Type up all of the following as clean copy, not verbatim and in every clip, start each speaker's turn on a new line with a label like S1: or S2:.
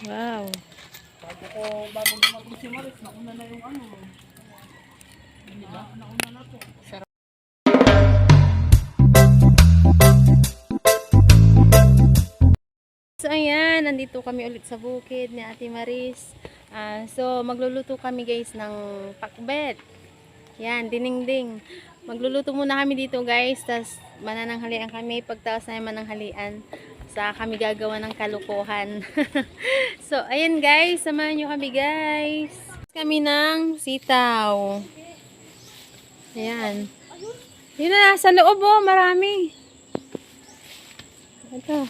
S1: Wow.
S2: Bago dumating si Maris, nauna na yung ano. Diba? Nauna na to.
S1: So ayan, nandito kami ulit sa bukid ni Ate Maris. So magluluto kami guys ng pakbet. Yan, dinding. Magluluto muna kami dito guys, tas manananghalian kami. Pagtaas na yung mananghalian, sa kami gagawa ng kalukuhan. So ayan guys, samahan nyo kami guys. Kami ng sitaw. Ayan. Yun na, sa loob oh, marami. Ito.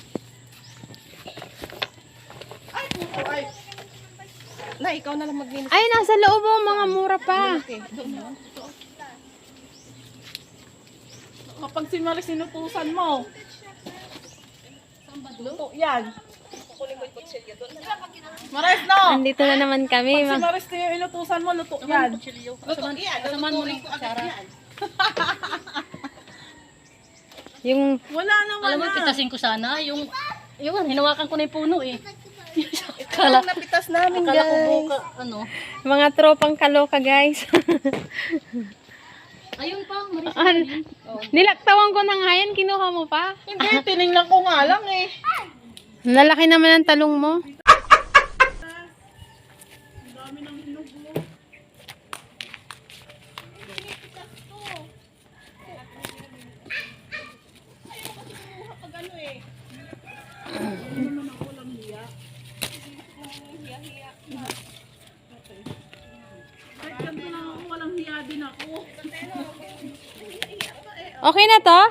S2: Ay! Na, ikaw na lang maglinis.
S1: Ay, nasa loob oh, mga mura pa.
S2: Kapag si Maris sinutusan mo. Luto yan. Maris, no!
S1: Andito na naman kami.
S2: Pag si Maris na yung inutusan mo, luto yan. Luto yan.
S3: Kasamaan mo ng kutsara.
S1: Yung
S2: Wala naman
S3: Alam mo,
S2: na.
S3: pitasin ko sana. Yung hinawakan ko na yung puno eh.
S2: Kala napitas namin,
S3: Akala ko
S2: guys.
S3: buka, ano.
S1: mga tropang kaloka guys.
S3: Ayun pa, Maris.
S1: Nilaktawan ko na nga yan, kinuha mo pa.
S2: Hindi, tinignan ko nga lang eh.
S1: Lalaki naman ang talong mo.
S2: Walang hiya din ako.
S1: Okay na to?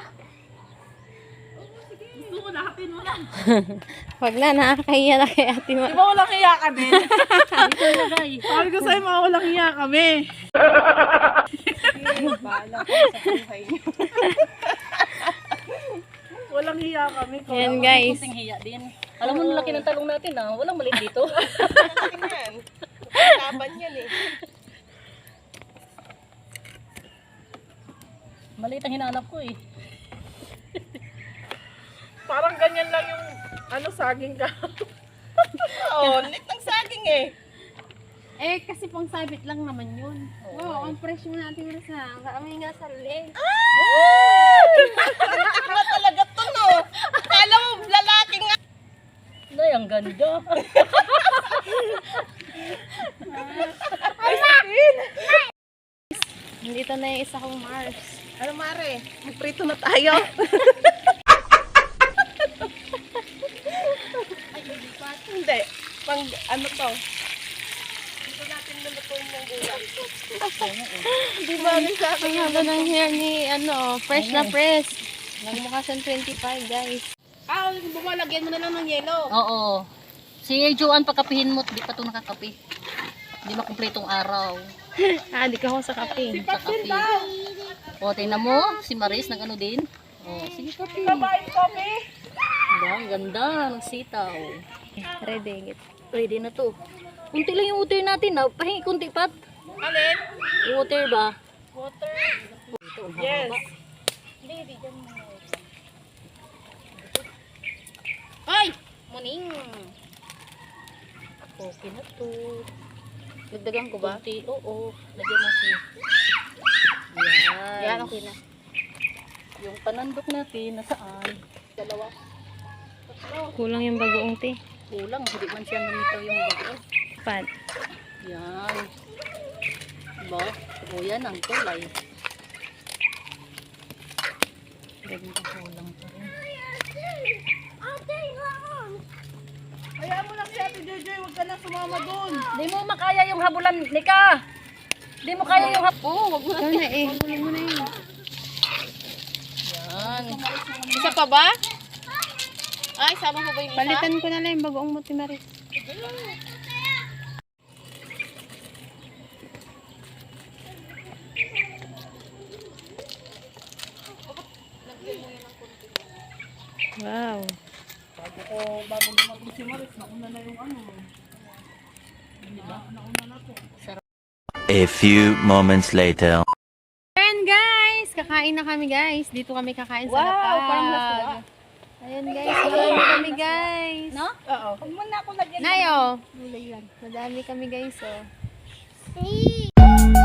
S2: Gusto ko lahatin mo lang.
S1: Wag na, nakakahiya na kay Ate
S2: Di
S1: Ma.
S2: ba walang hiya ka din?
S3: Dito lagay.
S2: Sabi ko sa'yo, mga walang hiya kami. Walang hiya kami.
S1: Yan guys.
S3: Kunting hiya din. Alam mo, laki ng talong natin ah. Walang maliit dito.
S2: Laban yan eh.
S3: Maliit ang hinahanap ko eh.
S2: Parang ganyan lang yung saging ka. Oo, lit ng saging eh.
S1: Eh, kasi pang sabit lang naman yun. Wow, ang fresh mo natin na sa kami nga sa leg.
S2: Ano talaga to, no? Kala mo, lalaki nga.
S3: Ay, ang ganda.
S1: Nandito na yung isa kong Mars.
S2: Ano, Mare? Magprito na tayo. Hindi. Pang ano to? Dito natin lulutuin yung gulay. Di ba rin sa akin?
S1: Ang haba ng hair ni, fresh na fresh. Nagmukha siyang 25 guys.
S2: Bumalagyan mo na lang ng yelo.
S3: Oo. Si Joanne, pagkapihin mo, di pa ito nakakapi. Di makumpletong araw.
S1: Di ka ako sa kape.
S3: Sa kape. O, tingnan mo, si Maris nag ano din. O, sige kape.
S2: Kabain kami.
S3: Diba, ang ganda ng sitaw.
S1: Ready.
S3: Ready na to. Kunti lang yung water natin ha. Pahingi kunti pat.
S2: Alin?
S3: Yung water ba?
S2: Water.
S3: Ito, ang
S2: Yes.
S3: haba.
S1: Ay! Muning!
S3: Okay na to.
S1: Dagdagan ko ba?
S3: Kunti, oo. Lagyan mo siya. Yan.
S1: Yan, okay na.
S3: Yung panandok natin, nasaan? Dalawa.
S1: Kulang yung bagoong te.
S3: Kulang, hindi man siya namitaw yung bago.
S1: Pat.
S3: Yan. Diba? O yan ang kulay. Ganito kulang pa rin.
S2: Kaya mo lang si Ate Jojoy, huwag ka na sumama doon.
S3: Di mo makaya yung habulan, Nika! Di mo kaya yung
S1: Oo, wag mo na eh. Kulang mo na yun.
S3: Yan.
S2: Isa pa ba? Ay, sama mo ba yung isa?
S1: Palitan ko na lang yung bagoong mo, Maris. Wow.
S2: Bago dumating si Maris, nauna na yung ano. Diba? Nauna na to.
S4: A few moments later.
S1: Ayan guys, kakain na kami guys. Dito kami kakain sa
S2: Wow,
S1: lapag.
S2: parang laswa.
S1: Ayan guys, madami kami guys.
S3: No?
S2: Oo. Huwag mo na ako lagyan.
S1: Nayo. Madami kami guys oh.